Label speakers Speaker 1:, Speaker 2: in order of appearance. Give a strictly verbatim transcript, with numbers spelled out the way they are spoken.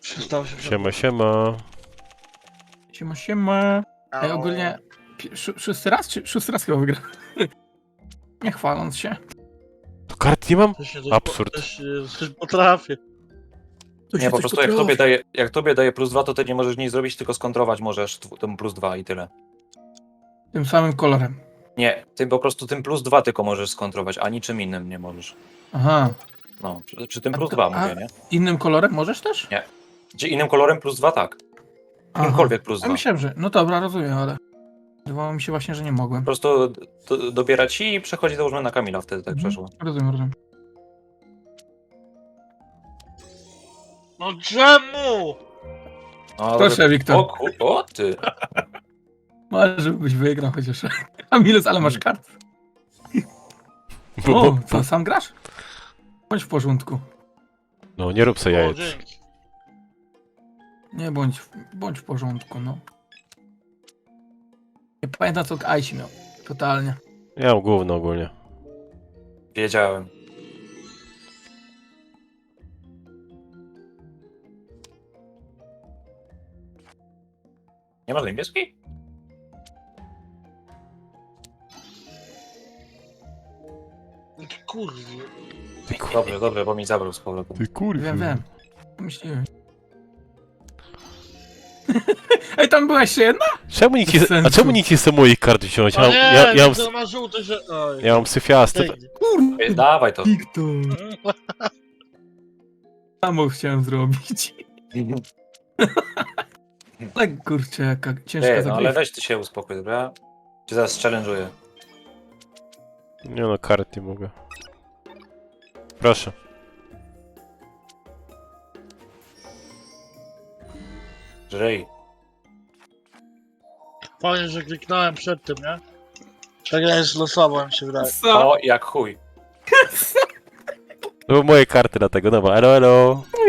Speaker 1: Przestało się
Speaker 2: Siema, siema.
Speaker 3: Siema, siema. Ej, ogólnie pi- szó- szósty raz, czy szósty raz chyba wygra? Nie chwaląc się.
Speaker 2: To kart nie mam?
Speaker 1: Też się coś
Speaker 2: Absurd.
Speaker 1: Po, też się coś potrafię.
Speaker 3: To
Speaker 4: Nie,
Speaker 3: się
Speaker 4: po
Speaker 3: coś
Speaker 4: prostu jak
Speaker 3: potrafi.
Speaker 4: tobie, daje, jak tobie daje plus dwa, to ty nie możesz nic zrobić, tylko skontrować możesz tw- tym plus dwa i tyle.
Speaker 3: Tym samym kolorem.
Speaker 4: Nie, ty po prostu tym plus dwa tylko możesz skontrować, a niczym innym nie możesz.
Speaker 3: Aha.
Speaker 4: No, przy, przy tym
Speaker 3: A
Speaker 4: plus
Speaker 3: to-
Speaker 4: dwa
Speaker 3: a-
Speaker 4: mówię, nie?
Speaker 3: Innym kolorem możesz też?
Speaker 4: Nie. Czy innym kolorem plus dwa, tak.
Speaker 3: Aha.
Speaker 4: Jakimkolwiek plus
Speaker 3: Ja
Speaker 4: dwa.
Speaker 3: myślałem, że... No dobra, rozumiem, ale... Wydawało mi się właśnie, że nie mogłem.
Speaker 4: Po prostu do, dobiera ci i przechodzi załóżmy na Kamila, wtedy tak
Speaker 3: Mhm.
Speaker 4: przeszło.
Speaker 3: Rozumiem, rozumiem.
Speaker 1: No czemu?
Speaker 4: No,
Speaker 3: Proszę, Wiktor.
Speaker 4: O, ku, o ty.
Speaker 3: Może żebyś wygrał chociaż. Kamilus, ale masz kart.
Speaker 2: Bo,
Speaker 3: O,
Speaker 2: bo, bo.
Speaker 3: co, sam grasz? Bądź w porządku.
Speaker 2: No, nie rób sobie
Speaker 1: O,
Speaker 2: jajec.
Speaker 1: dzięki.
Speaker 3: Nie, bądź, w- bądź w porządku, no. Nie pamiętam, co Aisi miał. Totalnie.
Speaker 2: Ja mam gówno ogólnie.
Speaker 4: Wiedziałem. Nie masz niebieskiej?
Speaker 1: Ty kurwa.
Speaker 2: Ty kur...
Speaker 4: Dobrze, dobrze, bo mi zabrał z powrotem.
Speaker 2: Ty kurwa.
Speaker 3: Wiem, wiem. Myśliłem. Ej, tam była jeszcze jedna?
Speaker 2: Czemu nikt
Speaker 3: Bez
Speaker 2: nie... A
Speaker 3: sensu.
Speaker 2: czemu nikt nie chce moich kart wziąć? Ja,
Speaker 1: O
Speaker 2: mam-
Speaker 1: nie,
Speaker 2: ja, ja, mam,
Speaker 1: to ma żółty, że... Oj.
Speaker 2: ja mam syfiasty.
Speaker 1: Pięknie.
Speaker 3: Kurde,
Speaker 4: Ej, Dawaj to.
Speaker 3: Wiktor. Samo chciałem zrobić. Tak, kurczę, jaka ciężka
Speaker 4: Ej, no ale
Speaker 3: zagrywka.
Speaker 4: weź ty się uspokój, dobra? Cię zaraz challenge'uję.
Speaker 2: Nie no, kart nie mogę. Proszę.
Speaker 4: Żrej.
Speaker 1: Fajnie, że kliknąłem przed tym, nie? Tak ja jest losowo, mi się wydaje.
Speaker 3: Co?
Speaker 4: O, jak chuj.
Speaker 2: To były moje karty dlatego, dobra, elo, elo.